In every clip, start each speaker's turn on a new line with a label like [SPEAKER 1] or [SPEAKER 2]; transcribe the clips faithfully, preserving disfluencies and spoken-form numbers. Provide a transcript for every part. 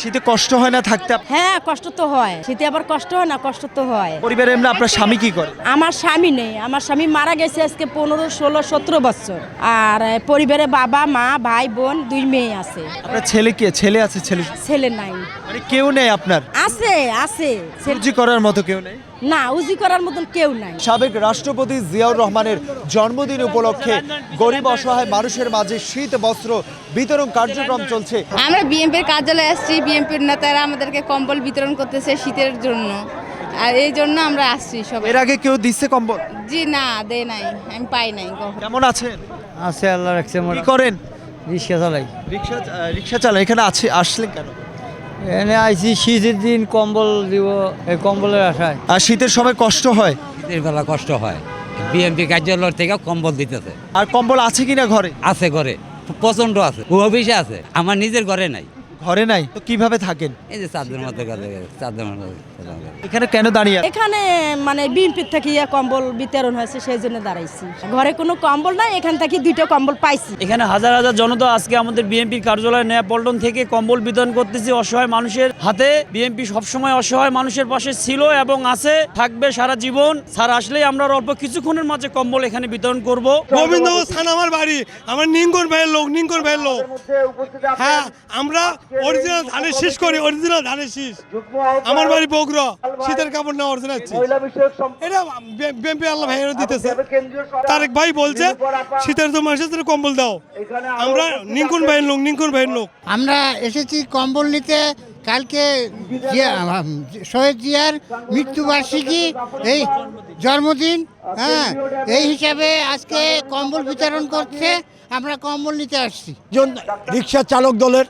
[SPEAKER 1] শীতে কষ্ট হয় না থাকতে?
[SPEAKER 2] হ্যাঁ কষ্ট তো হয়, শীতে আবার কষ্ট হয় না, কষ্ট তো হয়।
[SPEAKER 1] পরিবারে এমনি আপনার স্বামী কি করে?
[SPEAKER 2] আমার স্বামী নেই, আমার স্বামী মারা গেছে আজকে পনেরো ষোলো সতেরো বছর। আর আহ, পরিবারে বাবা মা ভাই বোন দুই মেয়ে আছে।
[SPEAKER 1] আপনার ছেলে কে? ছেলে আছে? ছেলে
[SPEAKER 2] ছেলে নাই।
[SPEAKER 1] মানে কেউ নেই আপনার?
[SPEAKER 2] আছে আছে ছেলে-
[SPEAKER 1] সবজি করার মতো কেউ নেই?
[SPEAKER 2] না, উজি করার মতন কেউ নাই।
[SPEAKER 1] সাবেক রাষ্ট্রপতি জিয়াউর রহমানের জন্মদিন উপলক্ষে গরিব অসহায় মানুষের মাঝে শীত বস্ত্র বিতরণ কার্যক্রম চলছে।
[SPEAKER 3] আমরা বিএনপির কার্যালয়ে আসছি, বিএনপির নেতারা আমাদেরকে কম্বল বিতরণ করতেছে শীতের জন্য, আর এই জন্য আমরা আসছি সবাই।
[SPEAKER 1] এর আগে কেউ দিচ্ছে কম্বল?
[SPEAKER 3] জি না, দেয় নাই, আমি পাই নাই কখনো।
[SPEAKER 1] কেমন আছেন?
[SPEAKER 4] আছে আল্লাহ রাখছে।
[SPEAKER 1] কি করেন?
[SPEAKER 4] রিক্সা চালাই।
[SPEAKER 1] রিক্সা রিক্সা চালান। এখানে আছে আসলেন কেন?
[SPEAKER 4] এনে আইছি শীতের দিন কম্বল দিব, এই কম্বলের আশায়।
[SPEAKER 1] আর শীতের সময় কষ্ট হয়?
[SPEAKER 5] শীতের বেলা কষ্ট হয়, বিএনপি কার্যালয় থেকে কম্বল দিতেছে।
[SPEAKER 1] আর কম্বল আছে কিনা ঘরে?
[SPEAKER 5] আছে ঘরে, প্রচন্ড আছে, অফিসে আছে, আমার নিজের ঘরে নাই।
[SPEAKER 1] ঘরে নাই তো কিভাবে থাকেন?
[SPEAKER 5] এই যে চারদের মধ্যে কাজে চারদের মধ্যে।
[SPEAKER 1] এখানে কেন দাঁড়িয়ে?
[SPEAKER 2] এখানে মানে বিএনপির থেকে ইয়া কম্বল বিতরণ হয়েছে সেই জন্য দাঁড়াইছি। ঘরে কোনো কম্বল নাই, এখান থেকে দুইটা কম্বল পাইছি।
[SPEAKER 6] এখানে হাজার হাজার জনতা আজকে আমাদের বিএনপির কার্যালয় নয়া পল্টন থেকে কম্বল বিতরণ করতেছি অসহায় মানুষের হাতে। বিএনপি সবসময় অসহায় মানুষের পাশে ছিল এবং আছে, থাকবে সারা জীবন। স্যার আসলেই আমরা অল্প কিছুক্ষণের মাঝে কম্বল এখানে বিতরণ করব।
[SPEAKER 7] গোবিন্দগঞ্জ থানা আমার বাড়ি, আমার নিঙ্গন ভাইয়ের লোক, নিঙ্গন ভাইয়ের লোক। হ্যাঁ, আমরা অরিজিনাল ধানের শীষ করি, অরিজিনাল ধানের শীষ। আমার বাড়ি বগুড়া, শীতের কাপড় না অরিজিনাল এটা বিএনপি আল্লাহ ভাইয়েরা দিতেছে। তারেক ভাই বলছে শীতের তো মানুষের জন্য কম্বল দাও। আমরা নিঙ্কুন ভাইয়ের লোক, নিঙ্কুন ভাইয়ের লোক।
[SPEAKER 8] আমরা এসেছি কম্বল নিতে। কালকে জিয়া- শহীদ জিয়ার মৃত্যুবার্ষিকী, এই জন্মদিন, হ্যাঁ এই হিসাবে আজকে কম্বল বিতরণ করছে, আমরা কম্বল নিতে আসছি।
[SPEAKER 9] রিক্সা চালক দলের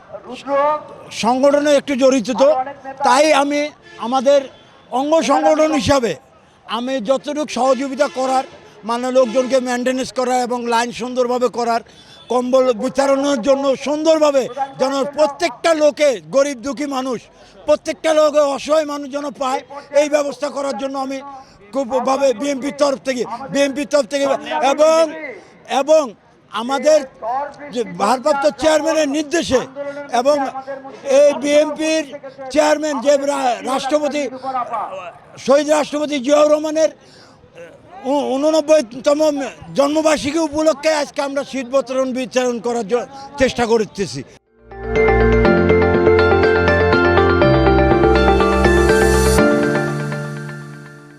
[SPEAKER 9] সংগঠনে একটু জড়িত, তো তাই আমি আমাদের অঙ্গ সংগঠন হিসাবে আমি যতটুকু সহযোগিতা করার, মানে লোকজনকে মেনটেন্যান্স করা এবং লাইন সুন্দরভাবে করার, কম্বল বিতরণের জন্য সুন্দরভাবে যেন প্রত্যেকটা লোকে, গরিব দুঃখী মানুষ, প্রত্যেকটা লোকে অসহায় মানুষ যেন পায়, এই ব্যবস্থা করার জন্য আমি খুবভাবে বিএনপির তরফ থেকে বিএনপির তরফ থেকে এবং এবং আমাদের যে ভারপ্রাপ্ত চেয়ারম্যানের নির্দেশে এবং এই বিএনপির চেয়ারম্যান যে রাষ্ট্রপতি শহীদ রাষ্ট্রপতি জিয়াউর রহমানের উননব্বইতম জন্মবার্ষিকী উপলক্ষে আজকে আমরা শীত বিতরণ বিতরণ করার চেষ্টা করতেছি।